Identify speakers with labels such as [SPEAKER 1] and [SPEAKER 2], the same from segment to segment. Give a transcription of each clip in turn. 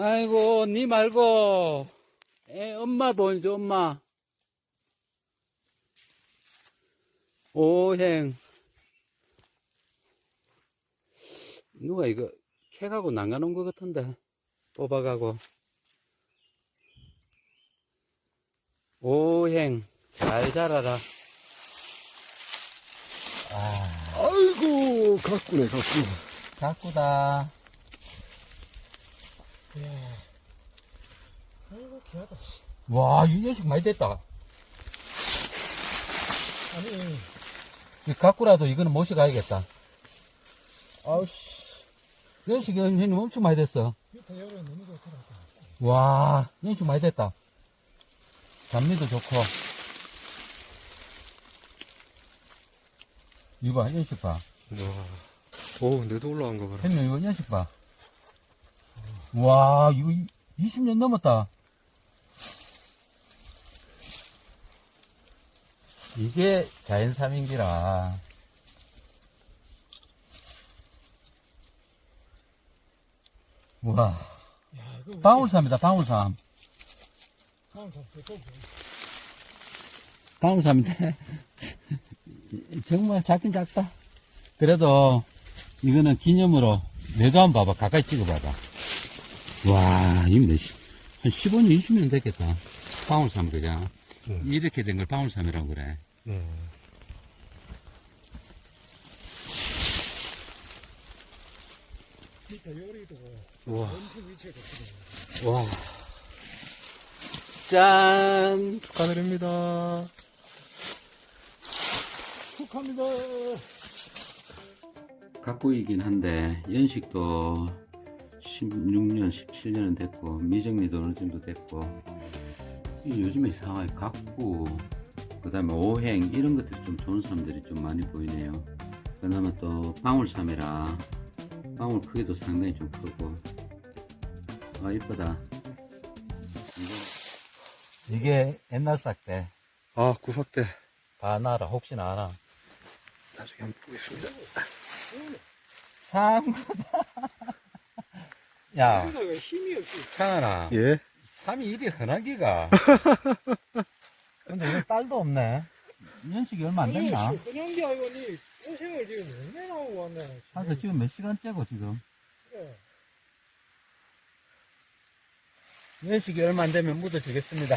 [SPEAKER 1] 아이고, 니 말고, 엄마 보이죠, 엄마. 오행. 누가 이거 캐가고 난가놓은 것 같은데. 뽑아가고. 오행. 잘 자라라.
[SPEAKER 2] 아이고, 가꾸네, 가꾸.
[SPEAKER 1] 가꾸다.
[SPEAKER 2] 아이고, 귀하다.
[SPEAKER 1] 와, 이 녀석 많이 됐다.
[SPEAKER 2] 아니,
[SPEAKER 1] 이 가꾸라도 이거는 모셔가야겠다. 아우씨. 이 녀석이 형님 엄청 많이 됐어.
[SPEAKER 2] 밑에 열에 너무 좋더라.
[SPEAKER 1] 와, 이 녀석 많이 됐다. 단미도 좋고. 이거 봐, 이 녀석 봐.
[SPEAKER 2] 와. 오, 내도 올라간 거 봐라.
[SPEAKER 1] 형님, 이거 이 녀석 봐. 와, 이거 20년 넘었다. 이게 자연 삼인기라. 우와.
[SPEAKER 2] 야, 이거
[SPEAKER 1] 방울삼이다, 방울삼. 방울삼인데, 정말 작긴 작다. 그래도, 이거는 기념으로, 내도 한번 봐봐. 가까이 찍어봐봐. 와, 이거 한 15년, 20년 됐겠다. 방울삼, 그죠? 이렇게 된 걸 방울삼이라고 그래.
[SPEAKER 2] 밑에 열이도
[SPEAKER 1] 우와.
[SPEAKER 2] 엄청 위치가 좋거든.
[SPEAKER 1] 와. 짠!
[SPEAKER 2] 축하드립니다. 축하합니다.
[SPEAKER 1] 가꾸이긴 한데, 연식도 16년, 17년은 됐고, 미정리도 어느 정도 됐고, 요즘에 이상하게 가꾸, 그 다음에 오행, 이런 것들이 좀 좋은 사람들이 좀 많이 보이네요. 그나마 또 방울삼이라, 방울 크기도 상당히 좀 크고, 아, 이쁘다. 이게 옛날 싹대,
[SPEAKER 2] 아, 구석대.
[SPEAKER 1] 바나라, 혹시나 알아?
[SPEAKER 2] 나중에 한번 보겠습니다.
[SPEAKER 1] 삼구다. 야,
[SPEAKER 2] 우리가 힘이 없지.
[SPEAKER 1] 창아나.
[SPEAKER 2] 예?
[SPEAKER 1] 3이 이리 흔하기가. 근데 이건 딸도 없네. 연식이 얼마 안 됐나?
[SPEAKER 2] 그냥 게 아니고, 니 고생을 지금 얼마나 하고 왔네.
[SPEAKER 1] 그래서 지금 몇 시간째고, 지금?
[SPEAKER 2] 그래.
[SPEAKER 1] 연식이 얼마 안 되면 묻어주겠습니다.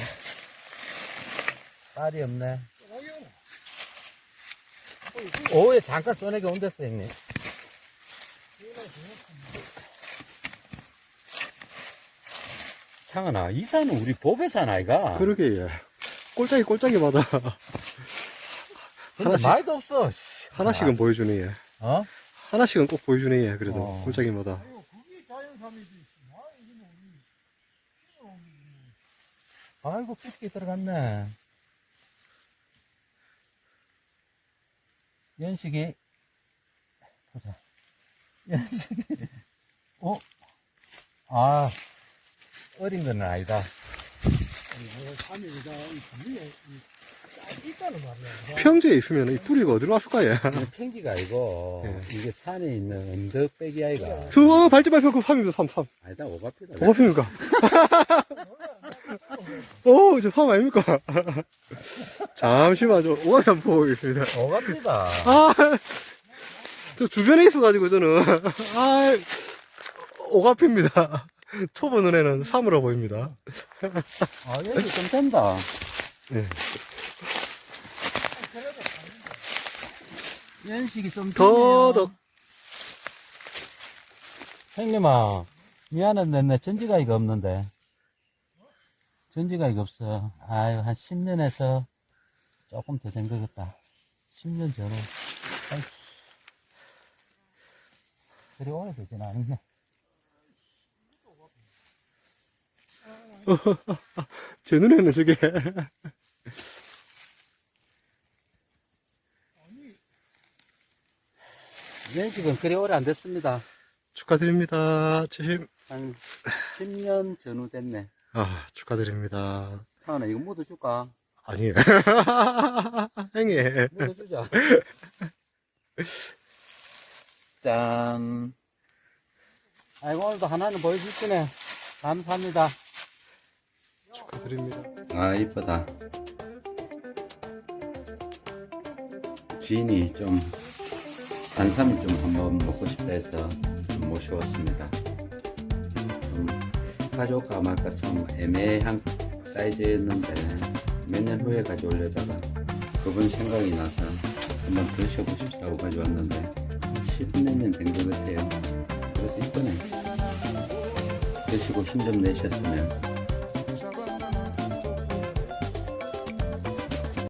[SPEAKER 1] 딸이 없네.
[SPEAKER 2] 아유.
[SPEAKER 1] 오후에 잠깐 써내게 온댔어, 형님. 창아나, 이 산은 우리 법의 산 아이가?
[SPEAKER 2] 그러게, 예. 꼴짝이 마다
[SPEAKER 1] 근데
[SPEAKER 2] 하나씩.
[SPEAKER 1] 말도 없어. 씨.
[SPEAKER 2] 하나씩은 보여주네, 예.
[SPEAKER 1] 어?
[SPEAKER 2] 하나씩은 꼭 보여주네, 예. 그래도.
[SPEAKER 1] 어.
[SPEAKER 2] 꼴짝이마다. 그게 자연삼이지.
[SPEAKER 1] 아이고, 삐끼 들어갔네. 연식이, 보자. 연식이, 아, 어린 건 아니다.
[SPEAKER 2] 삼이 이 분명히 있다는 말이야. 평지에 있으면 이 뿌리가 어디로 왔을까, 예.
[SPEAKER 1] 이거 팽기가 아니고,
[SPEAKER 2] 예.
[SPEAKER 1] 이게 산에 있는 언덕배기 아이가.
[SPEAKER 2] 저 밟지 말고 그 삼입니다, 삼.
[SPEAKER 1] 아니다, 오바피다.
[SPEAKER 2] 뭐가 핍니까? 오, 저 삼 아닙니까? 잠시만, 저 오감이 한번 보고 있습니다.
[SPEAKER 1] 오바피다.
[SPEAKER 2] 아, 저 주변에 있어가지고 저는, 아, 오가피입니다. 초보 눈에는 삼으로 보입니다.
[SPEAKER 1] 아, 연식 좀 된다.
[SPEAKER 2] 예.
[SPEAKER 1] 연식이 좀
[SPEAKER 2] 더덕.
[SPEAKER 1] 형님아, 미안한데, 내 전지가이가 없는데. 전지가이가 없어. 아유, 한 10년에서 조금 더 된 것 같다. 10년 전에. 아이씨. 그리 오래되진 않네.
[SPEAKER 2] 제 눈에는 저게.
[SPEAKER 1] 연식은 그리 오래 안 됐습니다.
[SPEAKER 2] 축하드립니다. 최심.
[SPEAKER 1] 한 10년 전후 됐네.
[SPEAKER 2] 아, 축하드립니다.
[SPEAKER 1] 상원아, 이거 묻어줄까?
[SPEAKER 2] 아니에요. 행해.
[SPEAKER 1] 묻어주자. 짠. 아이고, 오늘도 하나는 보여줄 거네.
[SPEAKER 3] 감사합니다.
[SPEAKER 2] 축하드립니다.
[SPEAKER 1] 아, 이쁘다. 지인이 좀 산삼이 좀 한번 먹고 싶다 해서 좀 모셔왔습니다. 좀 가져올까 말까 좀 애매한 사이즈였는데 몇 년 후에 가져오려다가 그분 생각이 나서 한번 드셔보고 싶다고 가져왔는데 10몇 년 된 것 같아요. 그래도 이쁘네. 드시고 힘 좀 내셨으면